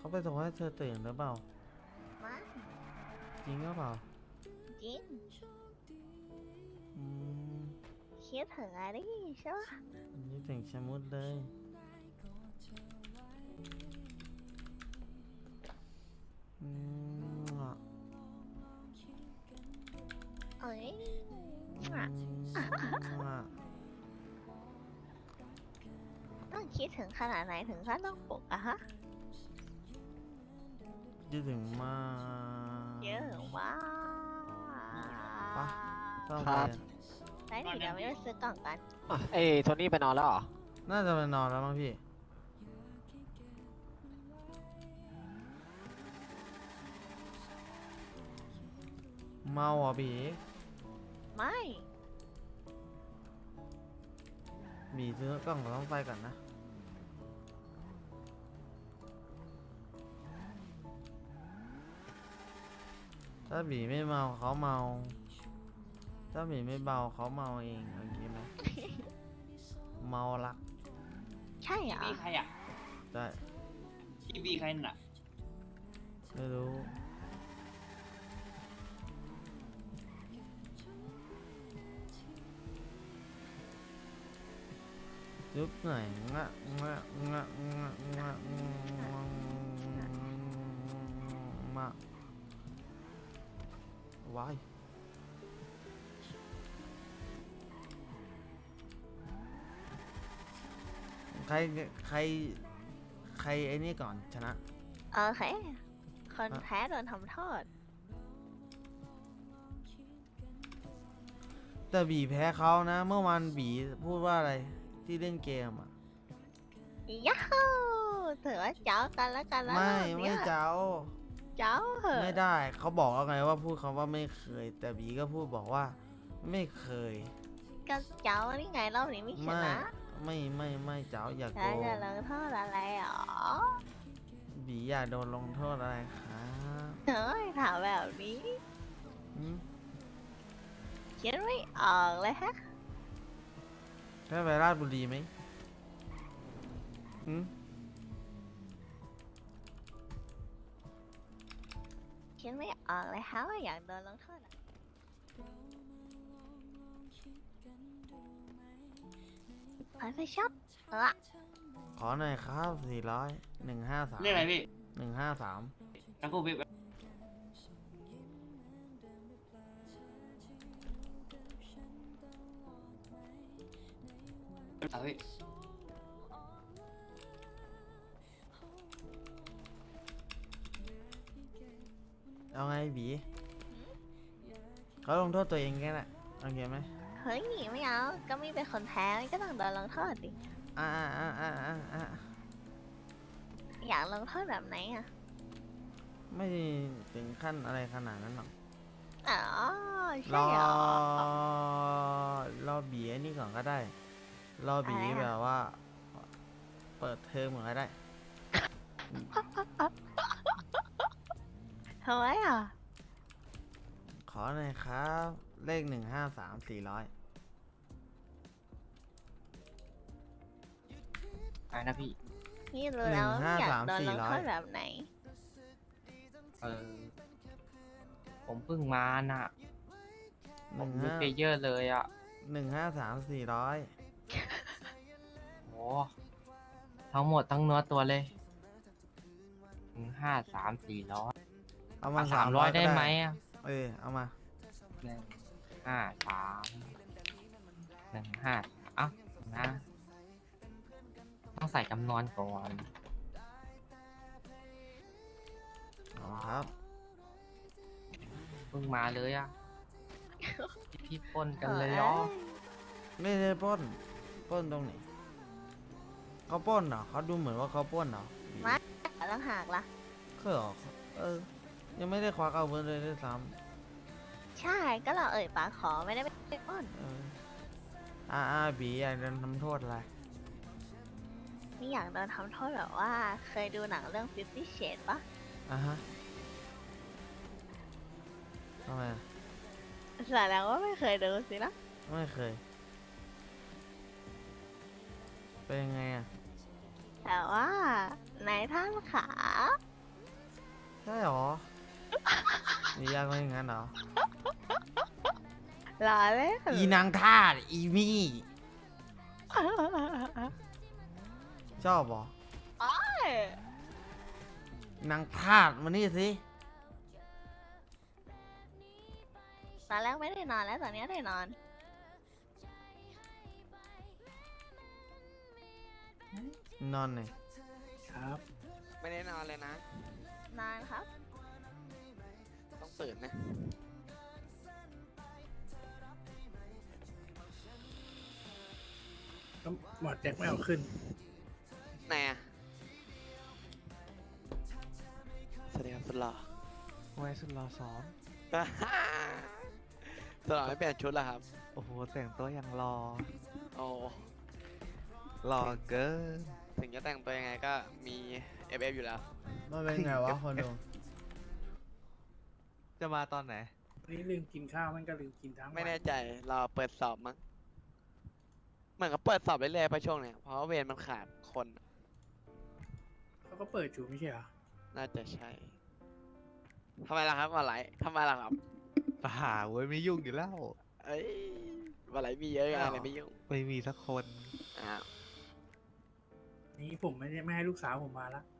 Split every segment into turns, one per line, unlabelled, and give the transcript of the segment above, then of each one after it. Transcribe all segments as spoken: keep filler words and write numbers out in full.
เขาไปส่งให้เธอตื่นหรือเปล่า
ไม่
จริงหรือเปล่า
จริง
อืม
คิดถึงอะไรใช่ปะ
อันนี้ถึงชะมุดเลยอืมอ่ะ
เอ้ย
อื
อ่ะ
มอ่ะ
ต้องคิดถึงขนาดไหนถึงขั้นต้องปลุกอะฮะ
คิดถึงมาก
เยอะมาก
ปะต้อง
ค
ไป
รับ
ไหนเดี๋ยวไม่ไปซื้อกล่องกัน
อ่ะเอ้ยโทนี่ไปนอนแล้วเหรอ
น่าจะไปนอนแล้วมั้งพี่เมาอ่ะบี
ไม่
บีซื้อกล้องกับต้องไฟก่อนนะถ้าบีไม่เมาเขาเมาถ้าบีไม่เบาเขาเมาเองโอเคไหม เมารัก
ใช่เหรอ
บีใครอ่ะ
ได้
ทีบีใครน่ะ
ไม่รู้ยุบหน่อยงะงะงะงะงะมาวายใครใครใครไอ้นี่ก่อนชนะ
โอเคคนแพ้โดนทำโทษ
แต่บีแพ้เขานะ เมื่อวานบีพูดว่าอะไรที่เล่นเกมอ่ะ
ยัฮู ถือว่าเจ้ากันแล้วกันแล้ว
ไม่
รอบ
ไม่
เนี้ย
เจ้า
เจ้าเหอะ
ไม่ได้เขาบอกแล้วไงว่าพูดคำว่าไม่เคย แต่บีก็พูดบอกว่าไม่เคย
ก็เจ้านี่ไงรอบนี้ไม่ช
ไม่
นะ
ไม่ไม่ไม่เจ้าอยากโด
แล้วจะ
น
ลงโทษอะไรหรอ
บีอยากโดนลงโทษอะไรครับ
เฮ้ยถามแบบนี้
หืม
คิดไม่ออกเลยฮะ
แค่ไปราชบุรีไหมหืม
คิดไม่ออกเลยฮะว่าอยากโดนลงโทษอะไปไปช็อปเออ
ขอหน่อยครับสี่ร้อยหนึ่งห้าสาม
เรียกอะไรพี่
หนึ่งห้าสาม
ตะกูพี่เอาพี่
เอาไงบีเขาลงโทษตัวเองแค่นั้นโอเคไหม
เฮ้ยไม่เอา ก็ไม่เป็นคนแพ้ก็ต้องโดนลงโทษดิ
อ่าอ่าอ่าอ่าอ่า
อยากลงโทษแบบไหนอ่ะ
ไม่ถึงขั้นอะไรขนาดนั้นหรอก
อ๋อ
ร
ใช่
อ
เหรอ
รอบีไอ้นี่ก่อนก็ได้ รอบี
อะไรอะ
แบบว่า เปิดเทอมก่อนก็ได้
ทำไมอ่ะ
ขอหน่อยครับ เลขหนึ่งห้าสามสี่ร้อย
อะไรนะพี่
นี่รู้แล้วว่าอยากโดนลงโทษแบบไหน
เออ ผมเพิ่งมาน่ะ
ห
ผ
นึ่
ม
ง
มี
ห้า
เพลเยอร์เลยอ่ะ
หนึ่งห้าสามสี่ร้อย
โอ้ทั้งหมดทั้งเนื้อตัวเลยหนึ่งห้าสามสี่ร้อย
เอามา
สามร้อยได้
ก็
ไหมอ่ะ
เออเอามา
หนึ่งห้าสามหนึ่งห้าเอ้านะ ต้องใส่จำนวนก่อน
เอาครับ
เพิ่งมาเลยอ่ะ พี่ปล้นกันเลยเหรอ
ไม่ได้ปล้นปล้นตรงไหนเขาปล้นเหรอเขาดูเหมือนว่าเขาปล้นเหรอ
ไม่ ต้องหากล่ะ
เขาเหรอเออ ยังไม่ได้ควักเอาเงินเลยด้วยซ้
ใช่ ก็เราเอ่ยปากขอไม่ได้ไปปล้น
ำเอออาอาบีอยากโดนทำโทษอะไร
นี่อยากโดนทำโทษแบบว่า เคยดูหนังเรื่อง Fifty Shades ปะ
อ่ะฮะทำไมอะ
แสดงว่าไม่เคยดูสินะ
ไม่เคย เป็นยังไงอ่ะ
แต่ว่าในท่านขา
อช่หรอ มียากกว่าอย่างนั้นเหรอ
รอเลย
อีนางทาสอีมี่ ชอบเหรอ นางทาสมานี่สิ
ตอนแรกไม่ได้นอนแล้วตอนนี้ได้นอน
นอนหน่อย
ครับ
ไม่ได้นอนเลยนะ
นอนครับ
ต้องตื่นนะ
ก็หมอดแจ็คไม่เอาขึ้น
ไหนอะสวัสดีครับสุดหล่อ
ไว้สุดรอสอน
สุดหล่อไม่เปลี่ยนชุดแล้วครับ
โอ้โห แต่งตัวอย่างรอ
โอ้
รอเกิน
ถึงจะแต่งตัวยังไงก็มี เอฟ เอฟ อยู่แล้ว
มันเป็นไงวะคนดู
จะมาตอนไหน
นี่ลืมกินข้าวมันก็ลืมกินทั้งวัน
ไม่แน่ใจรอเปิดสอบมั้งเหมือนกับเปิดสอบเรื่อยๆไปช่วงเนี้ยเพราะว่าเวรมันขาดคน
เขาก็เปิดอยู่ไม่ใช่เหรอ
น่าจะใช่ทำไมล่ะครับมาไหลทำไมล่ะครับ
ป่าเว้ยไม่ยุ่งอยู่แล้ว
เอ้ยมาไหลมีเยอะไงเลยไม่ยุ่ง
ไม่มีสักคน
อ้าว
นี่ผมไม่ได้ไม่ให้ลูกสาวผมมาละ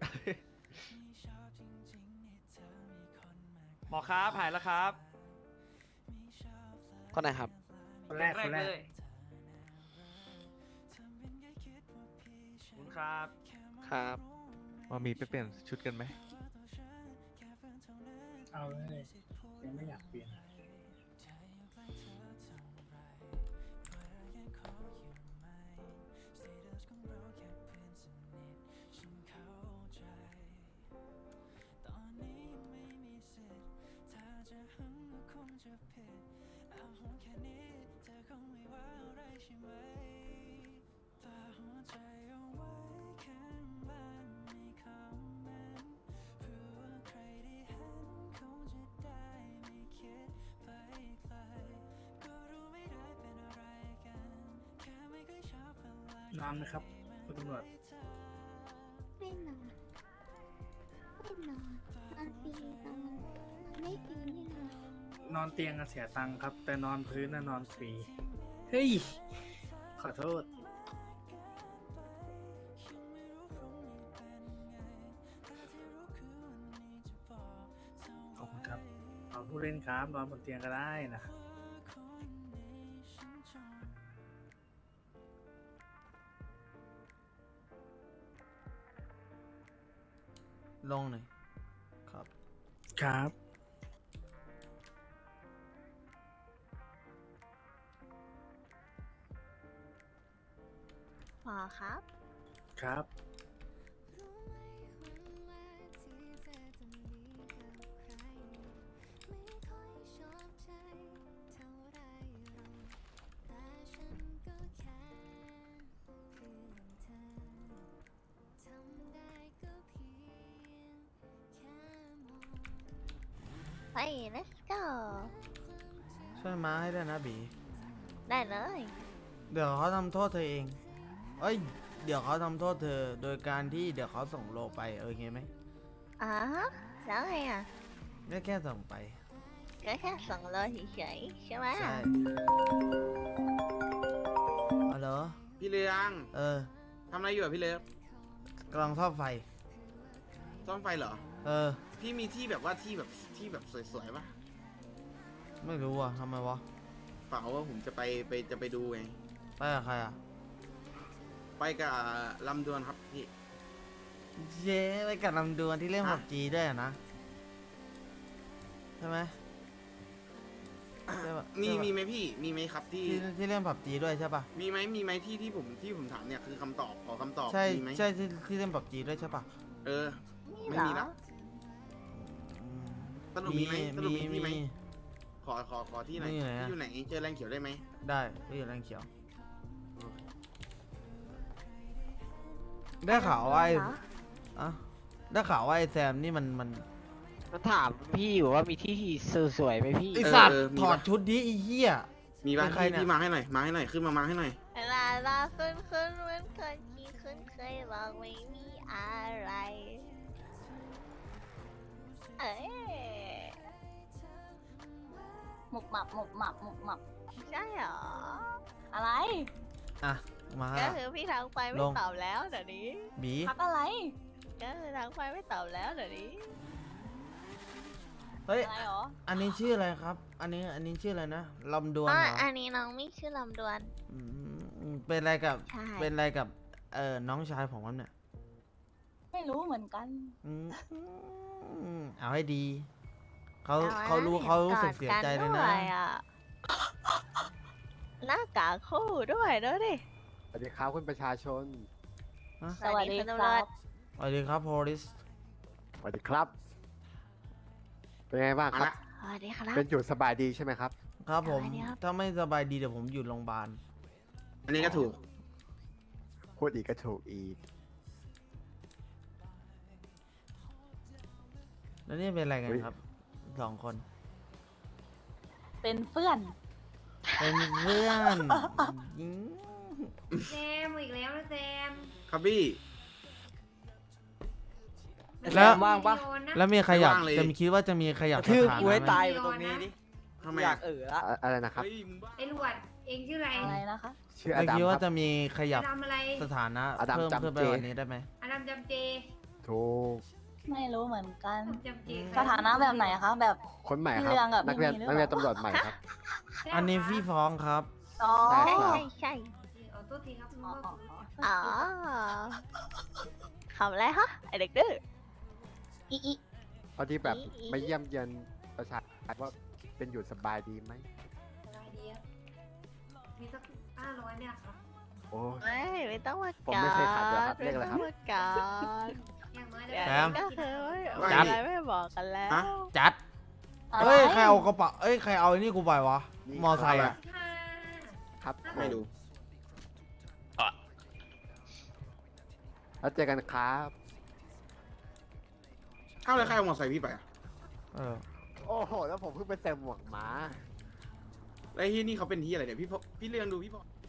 หมอครับหายแล้วครับ
คนไหนครับ
คนแรกคนแรก
ขอบคุณครับ
ครับ
มามีไปเปลี่ยนชุดกันไหม
เอาเลยยังไม่อยากเปลี่ยน นอนไหมครับคุณตำรวจ
ไม่นอนไม่นอนนอนฟรีนอนไม่ฟรีนี่นะ
นอนเตียงอะเสียตังค์ครับ แต่นอนพื้นน่ะนอนฟรี เฮ้ย ขอโทษ ขอบคุณครับ เอาผู้เล่นครับนอนบนเตียงก็ได้นะ
ลงหน่อยครับ
ครับ
หมอครับ
ครับ
ไป let's go
ช่วยมาให้ด้วยนะบี
ได้เลย
เดี๋ยวเขาทำโทษเธอเอง เอ้ย เดี๋ยวเขาทำโทษเธอ โดยการที่เดี๋ยวเขาส่งโลไป เออไงไหม
อ๋อแล้วไงอ่ะ
ไม่แค่ส่งไป
ก็แค่ส่งเลยเฉยๆใช่ไหม
ใช่เอาเหรอ
พี่เลือง
เออ
ทำอะไรอยู่อะพี่เลือง
กำลังซ่อมไฟ
ซ่อมไฟเหรอ
เออ
พี่มีที่แบบว่าที่แบบที่แบบสวยๆปะ
ไม่รู้อ่ะทำไมวะ
เปล่าว่าผมจะไปไปจะไปดูไง
ไปกับใครอ่ะ
ไปกับลำดวนครับพี่
เย้ไปกับลำดวนที่เล่น
ฮะ
ผับจีด้วยอะนะ ใช่ไหม ใช่ปะ
มี
ใช่ปะ
มีไหมพี่มีไหมครับที่
ที่ที่เล่นผับจีด้วยใช่ปะ
มีไหมมีไหมที่ที่ผมที่ผมถามเนี่ยคือคำตอบขอคำตอบ
ใช่
มีไหม
ใช่ที่ที่เล่นผับจีด้วยใช่ปะ
เออ ไม่
เหร
มี
อ
ละ
อืม
สรุปมีไหมสรุปมีที่ไหม
มี
ขอขอขอที่ไหน
มีไหนอะ
ที่อยู่ไหนเจอแรงเขียวได้ไหม
ได้ก็อยู่แรงเขียว ได้ข่าวว่าไอ้
เหรอ
อะได้ข่าวว่าไอ้แซมนี่มันมัน
มันถามพี่อยู่ว่ามีที่สวยๆไหมพี่
ไอสัตว์
เออมี
ถอด
ปะ
ชุดนี้ไอ้เหี้ย
มีบ้าง
เป็นใคร
ที่
เนี่ย
ที่มาให้หน่อยมาให้หน่อยขึ้นมามาให้หน่อย
เวลาเราขึ้นขึ้นเหมือนคนที่ขึ้นเคยบอกไม่มีอะไรเอ้ย
หมุบหมับหมุบหมับหมุบหมับ
ใช่เหรอ
อะไร
อ่ะ มา
ก็คือพี่ทักไปไม่
ลง
ตอบแล้วเดี๋ยวนี้
บี
พักอะไร
ก็คือทักไปไม่ตอบแล้วเดี๋ยวนี้
เฮ้ย
อะไรหรอ
อันนี้ชื่ออะไรครับ อันนี้ อันนี้ชื่ออะไรนะลำดวน
อ๋อ
เหรอ
อันนี้น้องไม่ชื่อลำดวน
อืมเป็นอะไรกับ
ใช่
เป็นอะไรกับ เอ่อ น้องชายผมครับเนี่ย
ไม่รู้เหมือนกัน
อืมอืมเอาให้ดี เขา
อนะ
เขารู้
ห็น
เขารู้สึก
อด
เสียใจเลยนะ
ด้วยอหน้ากากคู่ด้วยเด้อดิ
สวัสดีครับคุณประชาชน
สวัสดี
คุณ
ค
ตำร
รั
วจ
บ
สวัสดีครับโพลิส
สวัสดีครับ เป็นไงบ้าง
มา
ครับ
ละ
สวัสดีครับ
เป็นอยู่สบายดีใช่ไหมครับ
ครับผม
สวัสดีครับ
ถ้าไม่สบายดีเดี๋ยวผมอยู่โรงพยาบาล
อันนี้ก็ถูก
พูดอีกก็ถูกอีก
แล้วนี่เป็นอะไรกัน
เฮ้ย
ครับ สองคน
เป็นเพื่อน
เป็นเพื่อนยิง
แซมอีกแล้วนะแซม
ครับบี้
แล้ว
ว่างปะ
แล้วมีใครอยาก
ไม่ว่างเลย
จะมีคิดว่าจะมีใครอยาก
ทืบ
สถานะ
กูให้
ไหม
ตายอยู่ตรงนี้ดิ
ทำไม
อยา
อะ
กเออละ
อะอะไรนะครับ
เฮ้ยมึงบ้า
ไอ้หลวด เองชื่ออะไร อะไรนะคะ
ชื่ออ
ไม่
ดัม
คิด
ค
ว่า
รับ
จะมีขยับ
ทำอะไร
สถานะ
อดัม
เพิ่ม
จำ
เพิ่มไป
เจ
กว่านี้ได้ไหม
อดัมจำเจ
ถูก
ไม่รู้เหมือนกัน
จำเจ
สถานะแบบไหนคะ แบบ
คนใหม่ครับ
พี่เรืองกับ
นักเรียน
พี่มีหรือเปล่า
นักเรียนตำรวจใหม่ครับ
อันนี้พี่ฟ้องครับ
อ๋อ
ได้
ใช่
ครับ
ใช่ใช่
อ๋อตัวทีครับอ๋ออ๋อ
อ๋อขำอะไรฮะไอเด็กดื้อ
อีอี
พอที่แบบ
อีอี
ไม่เยี่ยมเยียนประชาชนว่าเป็นอยู่สบายดีไหม
อะไรดีอะมีสักห้าร้อยเนี่ยครับ
โอ้
ไม่ไม่ต้องมา
ผม
กา
ไม่เคยขัดเลยครับ
ไม่
เรียกอะไร
ต้
ครั
อบ งมากาด
อย่างน้อย
เดี๋ยว
แซม
นี้ก็คือไม่
ว่า
จัด
อะไรไม่บอกกันแล้ว
ฮะ
จัด เอ้ย ใครเอากระเป๋าเอ้ย ใครเอาไอ้นี่กูไปวะ
นี่
มอไซค์อะ
ค่ะ
ครับ
ไม่รู้
แล้วเจอกันครับ
เอ้าแล้วใครเอามอเตอร์ไซค์พี่ไปอะ
เออ
โอ้โห แล้วผมเพิ่งไปใส่หมวกหมา
แล้วไอ้ที่นี่เขาเป็นที่อะไรเนี่ยพี่พพี่เรืองดูพี่พอ